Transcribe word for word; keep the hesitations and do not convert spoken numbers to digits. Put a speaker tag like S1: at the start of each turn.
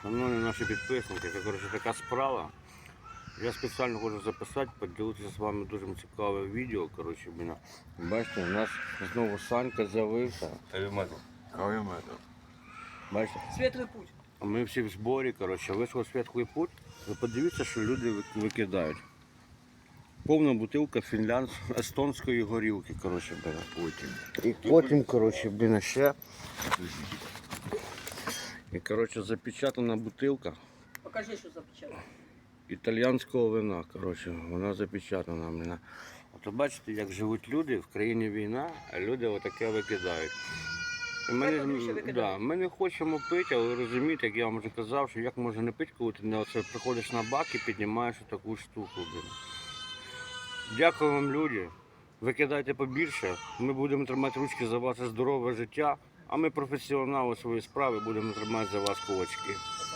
S1: Шановні наші підписники, це коротше така справа. Я спеціально хочу записати, поділитися з вами дуже цікаве відео. Коротше, блін. Бачите, у нас знову Санька з'явився.
S2: Кавіметр.
S1: Бачите?
S3: Світлий путь.
S1: Ми всі в зборі, коротше, вийшов світлий путь. Ви подивіться, що люди викидають. Повна бутилка фінлянд... естонської горілки, коротше, блін.
S2: Потім.
S1: І потім, коротше, блін, ще. І, коротше, запечатана бутилка
S3: Покажи, що запечатано.
S1: італійського вина, коротше, вона запечатана, блін. От бачите, як живуть люди, в країні війна, а люди отаке викидають. І ми,
S3: Хай вони ще
S1: не,
S3: викидають.
S1: да, ми не хочемо пити, але розумієте, як я вам вже казав, що як можна не пити, коли ти не оце приходиш на бак і піднімаєш таку штуку. Блін. Дякую вам, люди. Викидайте побільше. Ми будемо тримати ручки за ваше здорове життя, а ми професіонали своєї справи будемо тримати за вас кулачки.